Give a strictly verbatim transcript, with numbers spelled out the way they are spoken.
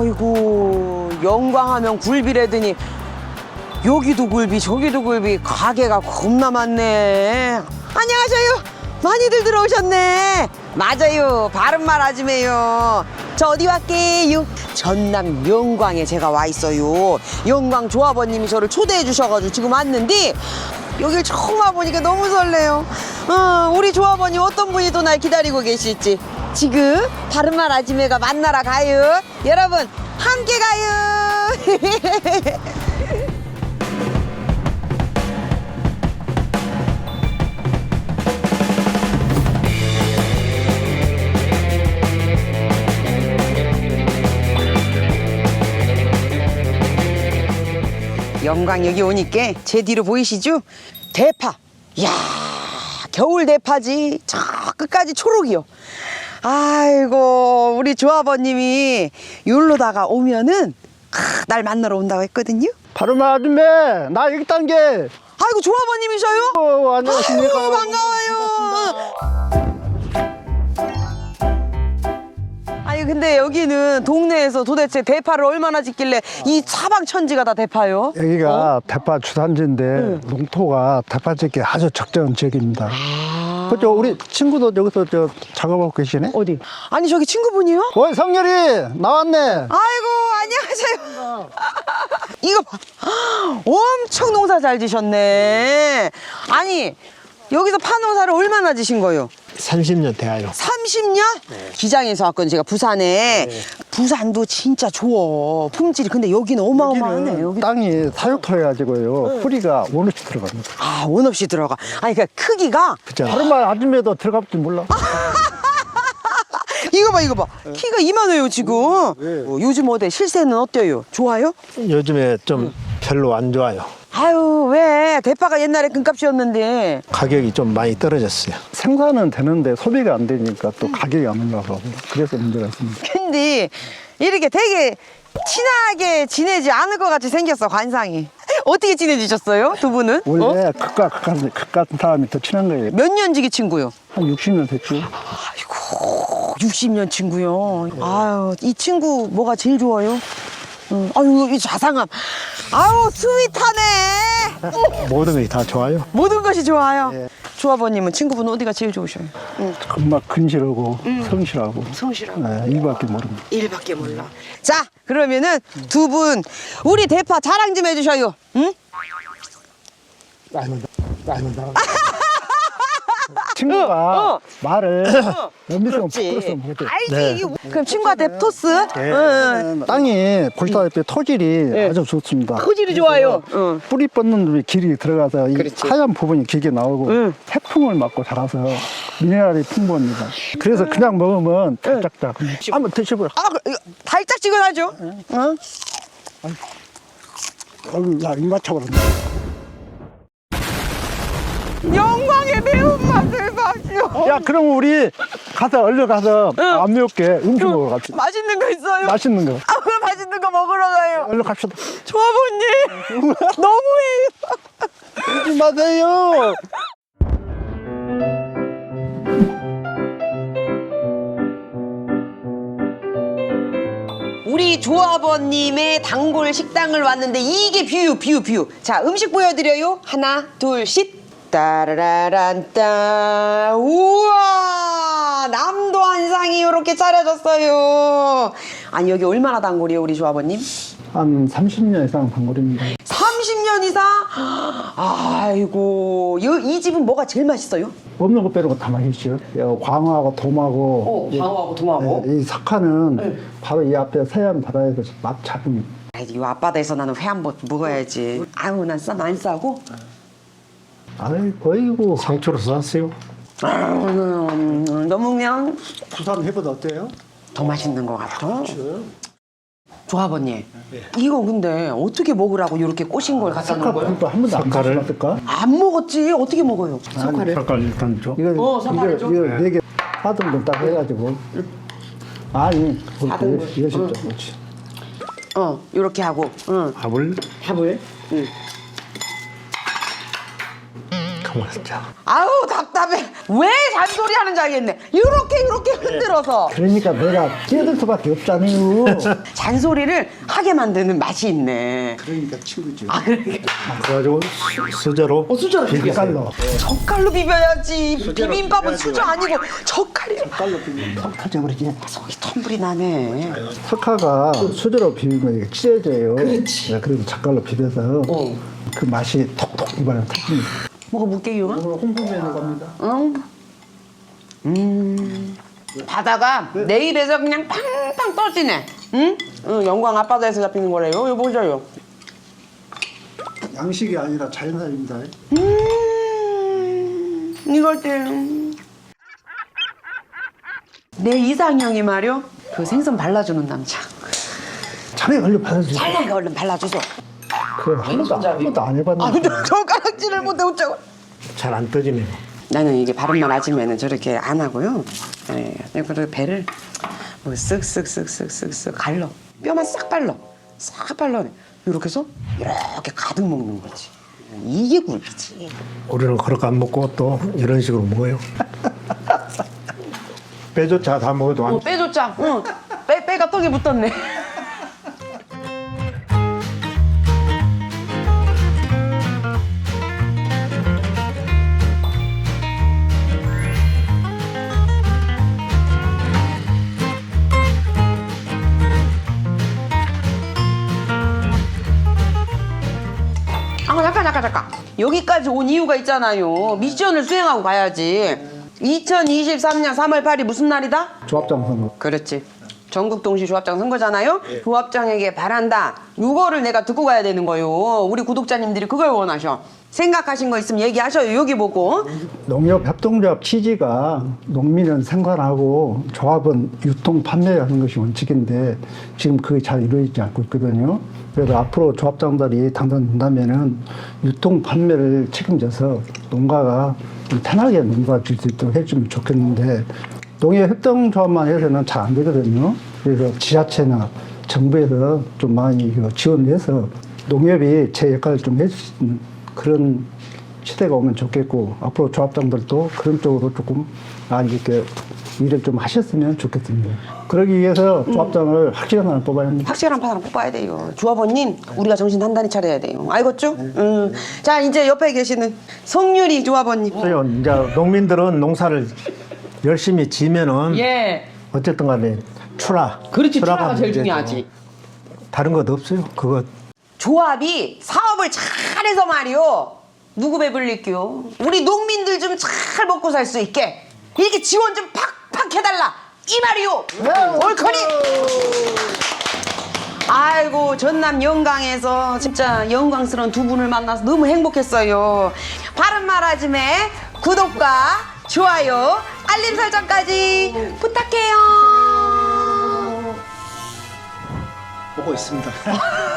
아이고 영광하면 굴비라더니 여기도 굴비 저기도 굴비 가게가 겁나 많네. 안녕하세요. 많이들 들어오셨네. 맞아요. 바른말 아줌매요. 저 어디 왔게요? 전남 영광에 제가 와 있어요. 영광 조합원님이 저를 초대해 주셔가지고 지금 왔는데 여길 처음 와보니까 너무 설레요. 어, 우리 조합원이 어떤 분이 또 날 기다리고 계실지 지금 바른말 아줌매가 만나러 가요. 여러분 함께 가요. 영광 여기 오니까 제 뒤로 보이시죠? 대파. 이야 겨울 대파지. 저 끝까지 초록이요. 아이고 우리 조합원님이 여기로다가 오면은 크, 날 만나러 온다고 했거든요. 바른말 아줌매 나 여기 있다는 게. 아이고 조합원님이셔요? 어, 안녕하십니까. 아이고, 반가워요. 아니 근데 여기는 동네에서 도대체 대파를 얼마나 짓길래 이 사방천지가 다 대파요? 여기가 어? 대파 주산지인데 응. 농토가 대파 짓기 아주 적절한 지역입니다. 아... 그죠? 우리 친구도 여기서 저 작업하고 계시네. 어디? 아니 저기 친구분이요? 어이 성렬이 나왔네. 아이고 안녕하세요. 이거 봐. 엄청 농사 잘 지셨네. 아니 여기서 파농사를 얼마나 지신 거예요? 삼십 년 돼요. 삼십 년? 네. 기장에서 왔거든 제가 부산에. 네. 부산도 진짜 좋아 품질이. 근데 여기는 어마어마하네. 여기 땅이 사육토해 가지고요. 응. 뿌리가 원 없이 들어갑니다. 아 원 없이 들어가. 아니 그러니까 크기가 그죠? 바른말 아줌매도 들어갈 줄 몰라. 이거 봐 이거 봐. 네. 키가 이만해요 지금. 네. 어, 요즘 어때? 실세는 어때요? 좋아요? 요즘에 좀 응. 별로 안 좋아요. 아유 왜 대파가 옛날에 금값이었는데 가격이 좀 많이 떨어졌어요. 생산은 되는데 소비가 안 되니까 또 가격이 안 올라가고 그래서 문제가 있습니다. 근데 이렇게 되게 친하게 지내지 않을 것 같이 생겼어 관상이. 어떻게 지내지셨어요 두 분은? 원래 어? 극과 극한, 극 같은 사람이 더 친한 거예요. 몇 년 지기 친구요? 한 육십 년 됐죠. 아이고 육십 년 친구요. 아유 이 친구 뭐가 제일 좋아요? 응. 아유 이 자상함. 아유 스윗하네. 모든 것이 다 좋아요. 모든 것이 좋아요. 예. 조합원님은 친구분 어디가 제일 좋으셔요? 응. 금막 근실하고 성실하고 성실하고 네, 이밖에 모릅니다. 일밖에 몰라. 자 그러면은 두 분 우리 대파 자랑 좀 해주셔요. 응? 친구가 어, 어. 말을 연비성 그렇지. 부끄러서 못해. 알지. 네. 이게 그럼 친구한테 토스? 네. 응. 땅이 보시다시피 토질이 아주 좋습니다. 토질이 좋아요. 응. 뿌리 뻗는 길이 들어가서 이 그렇지. 하얀 부분이 길게 나오고 응. 태풍을 맞고 자라서 미네랄이 풍부합니다. 그래서 그냥 먹으면 달짝짝. 한번 드셔보라. 아, 그, 이거 달짝지근하죠? 응? 어우, 야, 입 맞춰버렸네. 영광의 매운맛을 마시오. 야, 그럼 우리 가서 얼른 가서 응. 안 매울게 음식 먹으러 갑시다. 맛있는 거 있어요? 맛있는 거. 아, 그럼 맛있는 거 먹으러 가요. 얼른 갑시다. 조합원님, 너무해요. 오지 마세요. 우리 조합원님의 단골 식당을 왔는데 이게 뷰, 뷰, 뷰. 자, 음식 보여드려요. 하나, 둘, 셋. 따라란따. 우와, 남도 한상이 이렇게 차려졌어요. 아니 여기 얼마나 단골이에요, 우리 조합원님? 한 삼십 년 이상 단골입니다. 삼십 년 이상? 아이고, 이, 이 집은 뭐가 제일 맛있어요? 없는 거 빼고 다 맛있죠. 여, 광어하고 돔하고. 어, 광어하고 돔하고. 예, 이 석화는 네. 바로 이 앞에 서해안 바다에서 맛 잡은. 이 앞바다에서 나는 회 한 번 먹어야지. 아유, 난 싸, 안 싸고. 아이고, 어이구. 상추로 쌌어요. 음, 너무 그냥 부산 회보다 어때요? 더 맛있는 것 같아. 조합원님, 이거 근데 어떻게 먹으라고 이렇게 꼬신 걸 갖다 놓은 거예요? 석화 한 번도 안 석화를? 먹었을까? 안 먹었지. 어떻게 먹어요? 석화를. 색깔 일단 줘. 이거 어, 석화를 줘? 이거 네 개 사등 건 딱 해가지고. 아니, 사등분. 그렇게 이거 진짜 그렇지. 어, 이렇게 하고. 응. 밥을 밥을. 응. 정말 진짜. 아우 답답해. 왜 잔소리 하는지 알겠네. 이렇게 이렇게 흔들어서 그러니까 내가 끼어들 수밖에 없잖아요. 잔소리를 하게 만드는 맛이 있네. 그러니까 친구죠. 아 그러니까 그래가지고 수- 수저로 수저 비빔갈로. 젓갈로 비벼야지. 비빔밥은 수저 아니고 젓갈이야. 갈로 비빔 턱 터져버리지. 속이 텀블이 나네. 석화가 수저로 비비면 이게 찢어져요. 그렇지. 그래서 젓갈로 비벼서 어. 그 맛이 톡톡 입안에 터집니다. 먹어볼게요. 오늘 홍보면허 갑니다. 응. 음. 바다가 내 입에서 그냥 팡팡 떠지네. 응? 응, 영광 앞바다에서 잡히는 거래요. 이거 보셔요. 양식이 아니라 자연산입니다. 음. 이걸 때. 내 이상형이 말이요. 그 생선 발라주는 남자. 차례 걸려 받아주세요. 잘나게 얼른 발라주소. 그한 번도, 한 번도 안 해봤는데. 아 근데 젓가락질을 못해 어쩌고. 잘 안 떠지네요. 나는 이게 바른말 아침에는 저렇게 안 하고요. 네, 그리고 배를 뭐 쓱쓱쓱쓱쓱쓱 갈러. 뼈만 싹 발라. 싹 발라. 이렇게 해서 이렇게 가득 먹는 거지. 이게 굴비지. 우리는 그렇게 안 먹고 또 이런 식으로 먹어요. 빼조차 다 먹어도 안 어, 빼줬자. 응. 빼, 빼가 떡에 붙었네. 아 잠깐 잠깐 잠깐 여기까지 온 이유가 있잖아요. 미션을 수행하고 가야지. 이천이십삼 년 삼월 팔일 무슨 날이다? 조합장 선거. 그렇지. 전국 동시 조합장 선거잖아요. 조합장에게 바란다. 이거를 내가 듣고 가야 되는 거요. 우리 구독자님들이 그걸 원하셔. 생각하신 거 있으면 얘기하셔요. 여기 보고. 농협 협동조합 취지가 농민은 생산하고 조합은 유통 판매하는 것이 원칙인데 지금 그게 잘 이루어지지 않고 있거든요. 그래서 앞으로 조합장들이 당선된다면은 유통 판매를 책임져서 농가가 좀 편하게 농가 질 수 있도록 해주면 좋겠는데 농협 협동조합만 해서는 잘 안 되거든요. 그래서 지자체나 정부에서 좀 많이 이거 지원을 해서 농협이 제 역할을 좀 해줄 수 있는 그런 시대가 오면 좋겠고 앞으로 조합장들도 그런 쪽으로 조금 많이 이렇게 일을 좀 하셨으면 좋겠습니다. 그러기 위해서 조합장을 확실한 사람을 뽑아야 합니다. 확실한 파장을 뽑아야 돼요. 조합원님, 우리가 정신 단단히 차려야 돼요. 알겠죠? 음. 자, 이제 옆에 계시는 성유리 조합원님. 그래요. 이제 농민들은 농사를 열심히 지면은 예. 어쨌든 간에 출하. 그렇지, 출하가 하면 제일 이제 중요하지. 다른 것 없어요. 그거 조합이 사업을 잘해서 말이요. 누구 배불릴게요? 우리 농민들 좀 잘 먹고 살 수 있게 이렇게 지원 좀 팍팍 해달라 이 말이요. 올커니. 아이고 전남 영광에서 진짜 영광스러운 두 분을 만나서 너무 행복했어요. 바른 말 아침에 구독과 좋아요 알림 설정까지 부탁해요. 보고 있습니다.